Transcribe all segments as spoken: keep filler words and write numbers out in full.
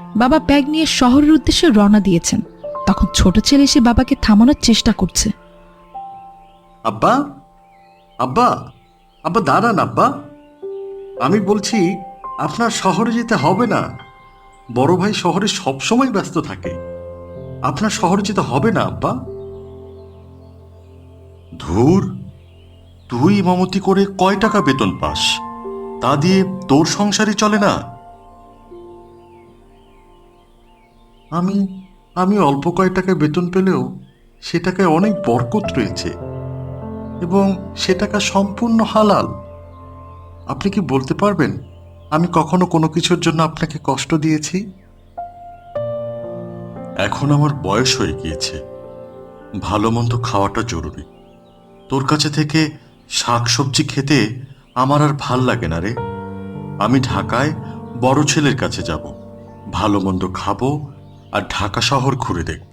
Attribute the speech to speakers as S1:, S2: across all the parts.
S1: বাবা ব্যাগ নিয়ে শহরের উদ্দেশ্যে রওনা দিয়েছেন। তখন ছোট ছেলে এসে বাবাকে থামানোর চেষ্টা করছে।
S2: আব্বা, আব্বা, আব্বা দাঁড়ান আব্বা। আমি বলছি আপনার শহরে যেতে হবে না। বড় ভাই শহরে সবসময় ব্যস্ত থাকে। আপনার শহরে যেতে হবে না আব্বা। ধুর, তুই ইমামতি করে কয় টাকা বেতন পাস? তা দিয়ে তোর সংসারই চলে না। আমি আমি অল্প কয় টাকায় বেতন পেলেও সে টাকায় অনেক বরকত রয়েছে এবং সে টাকা সম্পূর্ণ হালাল। আপনি কি বলতে পারবেন আমি কখনো কোনো কিছুর জন্য আপনাকে কষ্ট দিয়েছি? এখন আমার বয়স হয়ে গিয়েছে, ভালো মন্দ খাওয়াটা জরুরি। তোর কাছে থেকে শাক সবজি খেতে আমার আর ভাল লাগে না রে। আমি ঢাকায় বড় ছেলের কাছে যাব, ভালো মন্দ খাবো আর ঢাকা শহর ঘুরে দেখব।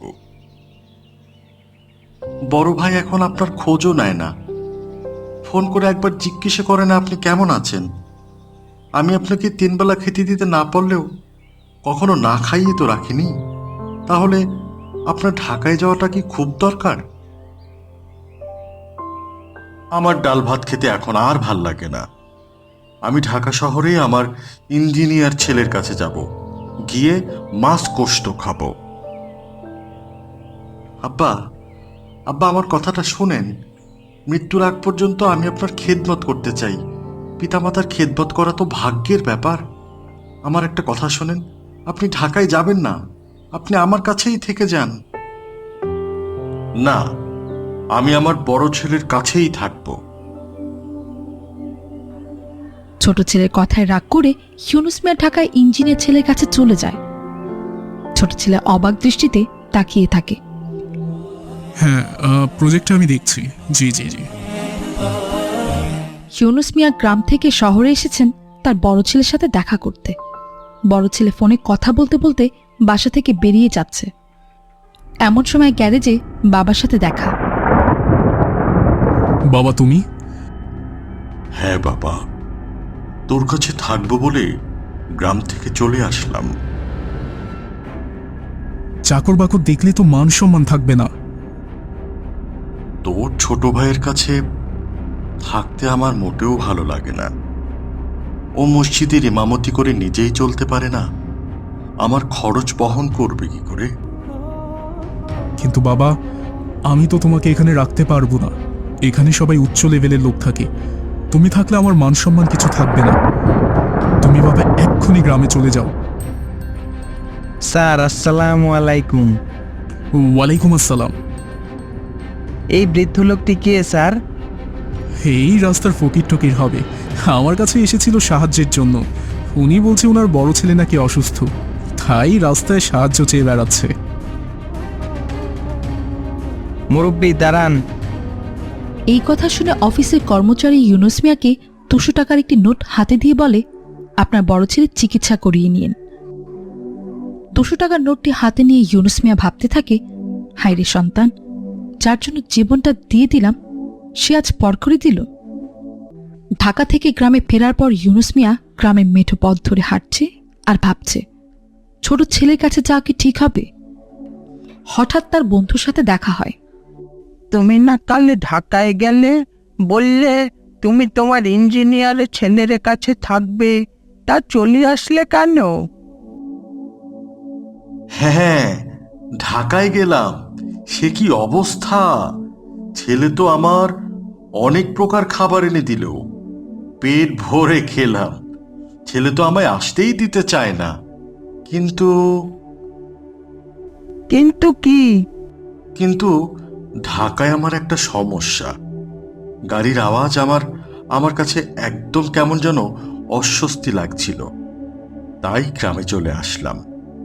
S2: বড় ভাই এখন আপনার খোঁজও নেয় না, ফোন করে একবার জিজ্ঞেস করে না আপনি কেমন আছেন। আমি আপনাকে তিনবেলা খেতে দিতে না পারলেও কখনো না খাইয়ে তো রাখিনি। তাহলে আপনার ঢাকায় যাওয়াটা কি খুব দরকার? আমার ডাল ভাত খেতে এখন আর ভাল লাগে না। আমি ঢাকা শহরে আমার ইঞ্জিনিয়ার ছেলের কাছে যাব, গিয়ে মাছ কোষ্ঠ খাবো। আব্বা, আব্বা আমার কথাটা শোনেন। মৃত্যুর আগ পর্যন্ত আমি আপনার খেদমত করতে চাই। পিতামাতার খেদমত করা তো ভাগ্যের ব্যাপার। আমার একটা কথা শোনেন, আপনি ঢাকায় যাবেন না, আপনি আমার কাছেই থেকে যান। না, আমি আমার বড় ছেলের কাছেই থাকব।
S1: ছোট ছেলের কথায় রাগ করে ইউনুস মিয়া ঢাকায় ইঞ্জিনিয়ার ছেলের কাছে চলে যায়। ছোট ছেলে অবাক দৃষ্টিতে তাকিয়ে থাকে।
S3: হ্যাঁ, প্রজেক্টটা আমি দেখছি। জি জি জি
S1: ইউনুস মিয়া গ্রাম থেকে শহরে এসেছেন তার বড় ছেলের সাথে দেখা করতে। বড় ছেলে ফোনে কথা বলতে বলতে বাসা থেকে বেরিয়ে যাচ্ছে। এমন সময় গ্যারেজে বাবার সাথে দেখা।
S3: বাবা, তুমি?
S2: হ্যাঁ বাবা, তোর কাছে থাকবো বলে গ্রাম থেকে চলে আসলাম।
S3: চাকর বাকর দেখলে তো মান সম্মান থাকবে না।
S2: তোর ছোট ভাইয়ের কাছে থাকতে আমার মোটেও ভালো লাগে না। ও মসজিদের ইমামতি করে নিজেই চলতে পারে না, আমার খরচ বহন করবে কি করে?
S3: কিন্তু বাবা, আমি তো তোমাকে এখানে রাখতে পারবো না। এখানে সবাই উচ্চ লেভেলের লোক থাকে। তুমি থাকলে আমার মান সম্মান কিছু থাকবে না। তুমি বাবা এক্ষুনি গ্রামে চলে যাও।
S4: স্যার, আসসালামু আলাইকুম।
S3: ওয়ালাইকুম আসসালাম।
S4: এই বৃদ্ধ লোকটি কে স্যার?
S3: এই রাস্তার ফকির টকির হবে। আমার কাছে এসেছিল সাহায্যের জন্য। উনি বলছে ওনার বড় ছেলে নাকি অসুস্থ, তাই রাস্তায় সাহায্য চেয়ে বেড়াচ্ছে।
S4: মুরব্বি দাঁড়ান।
S1: এই কথা শুনে অফিসের কর্মচারী ইউনুস মিয়াকে দুশো টাকার একটি নোট হাতে দিয়ে বলে, আপনার বড় ছেলের চিকিৎসা করিয়ে নিন। দুশো টাকার নোটটি হাতে নিয়ে ইউনুস মিয়া ভাবতে থাকে, হায় রে সন্তান, যার জন্য জীবনটা দিয়ে দিলাম সে আজ পর করে দিল। ঢাকা থেকে গ্রামে ফেরার পর ইউনুস মিয়া গ্রামের মেঠো পথ ধরে হাঁটছে আর ভাবছে ছোট ছেলের কাছে যাওয়া কি ঠিক হবে। হঠাৎ তার বন্ধুর সাথে দেখা হয়।
S4: তুমি না কাল ঢাকায় গেলে, বললে তুমি তোমার ইঞ্জিনিয়ারের ছেলের কাছে থাকবে, তা চলে আসলে কেন?
S2: হ্যাঁ, ঢাকায় গেলাম। সে কি অবস্থা! ছেলে তো আমার অনেক প্রকার খাবার এনে দিল, পেট ভরে খেলাম। ছেলে তো আমায় আসতেই দিতে চায় না। কিন্তু
S4: কিন্তু কি?
S2: কিন্তু ঢাকায় আমার একটা সমস্যা। গাড়ির আওয়াজ আমার আমার কাছে একদম কেমন যেন অস্বস্তি লাগছিল, তাই গ্রামে চলে আসলাম।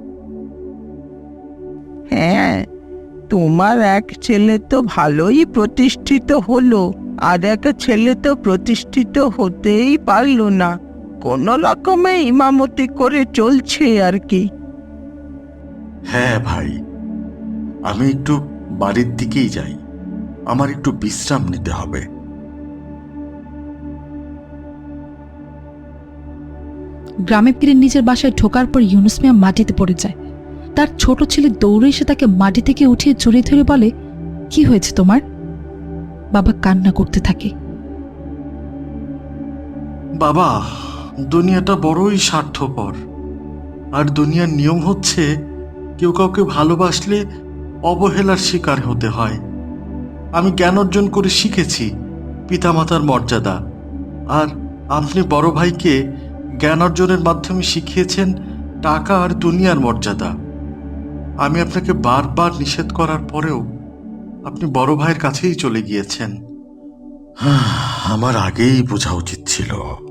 S4: হ্যাঁ, তোমার এক ছেলে তো ভালোই প্রতিষ্ঠিত হলো, আর এক ছেলে তো প্রতিষ্ঠিত হতেই পারলো না, কোনো রকমে ইমামতি করে চলছে আর কি।
S2: হ্যাঁ ভাই, আমি একটু বাড়ির দিকেই যাই, আমার একটু বিশ্রাম নিতে হবে।
S1: গ্রামে ফিরে নিজের বাসায় ঢোকার পর ইউনুস মিয়া মাটিতে পড়ে যায়। তার ছোট ছেলে দৌড়ে এসে তাকে মাটি থেকে উঠিয়ে জড়িয়ে ধরে বলে, কি হয়েছে তোমার? বাবা কান্না করতে থাকে।
S2: বাবা, দুনিয়াটা বড়ই স্বার্থপর। আর দুনিয়ার নিয়ম হচ্ছে কেউ কাউকে ভালোবাসলে অবহেলার শিকার হতে হয়। আমি জ্ঞান অর্জন করে শিখেছি পিতামাতার মর্যাদা, আর আপনি বড় ভাইকে জ্ঞান অর্জনের মাধ্যমে শিখিয়েছেন টাকা আর দুনিয়ার মর্যাদা। আমি আপনাকে বারবার নিষেধ করার পরেও আপনি বড় ভাইয়ের কাছেই চলে গিয়েছেন। আমার আগেই বোঝা উচিত ছিল।